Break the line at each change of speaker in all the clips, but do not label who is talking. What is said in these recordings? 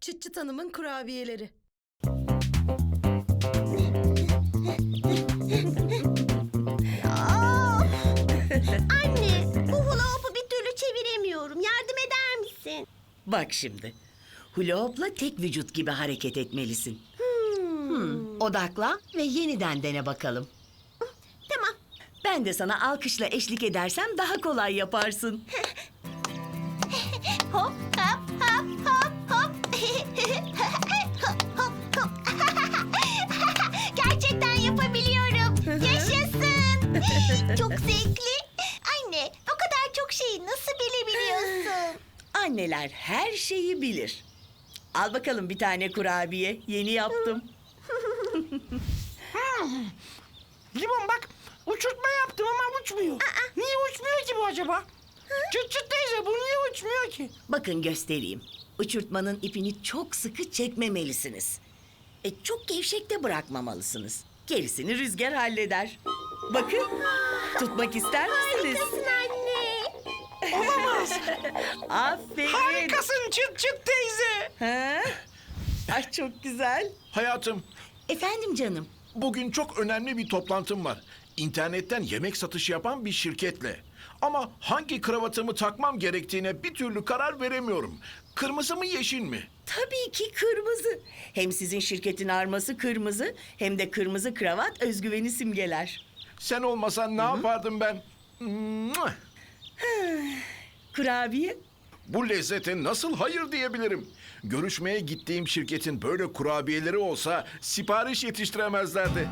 Çıt Çıt Hanım'ın kurabiyeleri.
Anne, bu hula hoop'u bir türlü çeviremiyorum. Yardım eder misin?
Bak şimdi. Hula hoop'la tek vücut gibi hareket etmelisin. Odaklan ve yeniden dene bakalım.
Tamam.
Ben de sana alkışla eşlik edersem daha kolay yaparsın.
Hop hop hop hop hop. Hop hop hop. Gerçekten yapabiliyorum. Yaşasın. Çok zevkli. Anne, o kadar çok şeyi nasıl bilebiliyorsun?
Anneler her şeyi bilir. Al bakalım bir tane kurabiye. Yeni yaptım.
Limon bak, uçurtma yaptım ama uçmuyor. Niye uçmuyor ki bu acaba? Çıt çıt teyze, bu niye uçmuyor ki?
Bakın göstereyim. Uçurtmanın ipini çok sıkı çekmemelisiniz. Çok gevşek de bırakmamalısınız. Gerisini rüzgar halleder. Bakın, tutmak ister misiniz?
Harikasın anne.
Aferin.
Harikasın çıt çıt teyze.
Ha? Ay çok güzel.
Hayatım,
Efendim canım.
bugün çok önemli bir toplantım var. İnternetten yemek satışı yapan bir şirketle. Ama hangi kravatımı takmam gerektiğine bir türlü karar veremiyorum. Kırmızı mı yeşil mi?
Tabii ki kırmızı. Hem sizin şirketin arması kırmızı, hem de kırmızı kravat özgüveni simgeler.
Sen olmasan ne yapardım ben? Mua!
Kurabiye?
Bu lezzete nasıl hayır diyebilirim? Görüşmeye gittiğim şirketin böyle kurabiyeleri olsa sipariş yetiştiremezlerdi.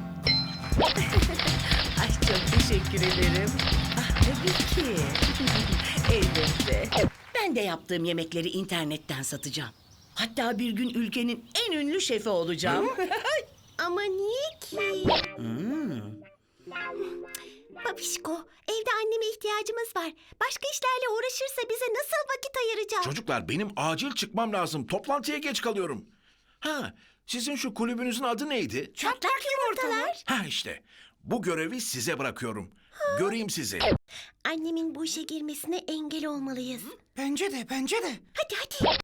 Ay çok teşekkür ederim. Ah tabii ki. Elbette. Ben de yaptığım yemekleri internetten satacağım. Hatta bir gün ülkenin en ünlü şefi olacağım.
Ama niye ki? Babişko, evde anneme ihtiyacımız var. Başka işlerle uğraşırsa bize nasıl vakit ayıracak?
Çocuklar benim acil çıkmam lazım. Toplantıya geç kalıyorum. Ha, sizin şu kulübünüzün adı neydi?
Çatlak yumurtalar.
Ha işte. Bu görevi size bırakıyorum. Göreyim sizi.
Annemin bu işe girmesine engel olmalıyız.
Bence de, bence de.
Hadi hadi.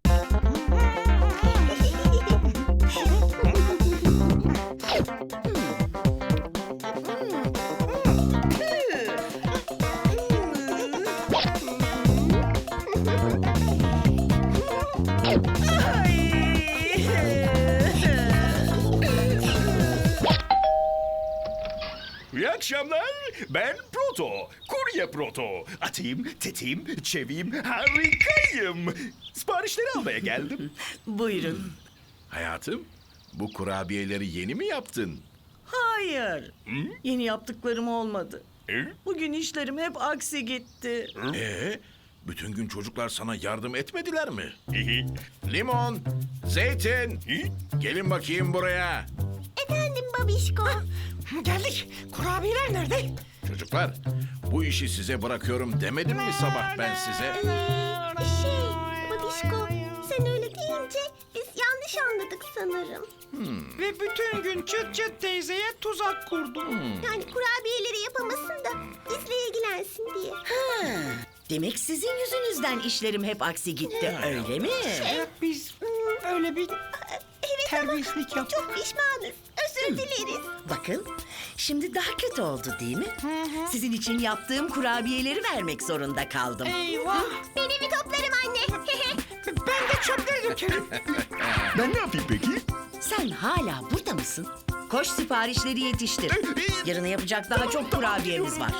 İyi akşamlar. Ben Proto. Kurye Proto. Atayım, tetiğim, çeviyim, harikayım. Siparişleri almaya geldim.
Buyurun.
Hayatım, bu kurabiyeleri yeni mi yaptın?
Hayır. Yeni yaptıklarım olmadı.
Hı?
Bugün işlerim hep aksi gitti.
Bütün gün çocuklar sana yardım etmediler mi? Limon, zeytin, gelin bakayım buraya.
Efendim babişko.
Geldik. Kurabiyeler nerede?
Çocuklar, bu işi size bırakıyorum demedim mi sabah ben size?
Babişko, sen öyle deyince biz yanlış anladık sanırım.
Ve bütün gün çıt çıt teyzeye tuzak kurdum.
Yani kurabiyeleri yapamasın da bizle ilgilensin diye.
Demek sizin yüzünüzden işlerim hep aksi gitti, öyle mi?
Evet, biz öyle bir
Evet
terbiyesizlik yaptık.
çok pişmanız. Özür dileriz.
Bakın, şimdi daha kötü oldu değil mi? Sizin için yaptığım kurabiyeleri vermek zorunda kaldım.
Eyvah.
Ben evi toplarım anne.
Ben de çöpleri dökerim.
Ben ne yapayım peki?
Sen hala burada mısın? Koş siparişleri yetiştir. Yarına yapacak daha çok kurabiyemiz var.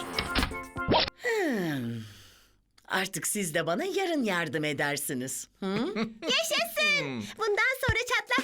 Artık siz de bana yarın yardım edersiniz.
Yaşasın. Bundan sonra çatlak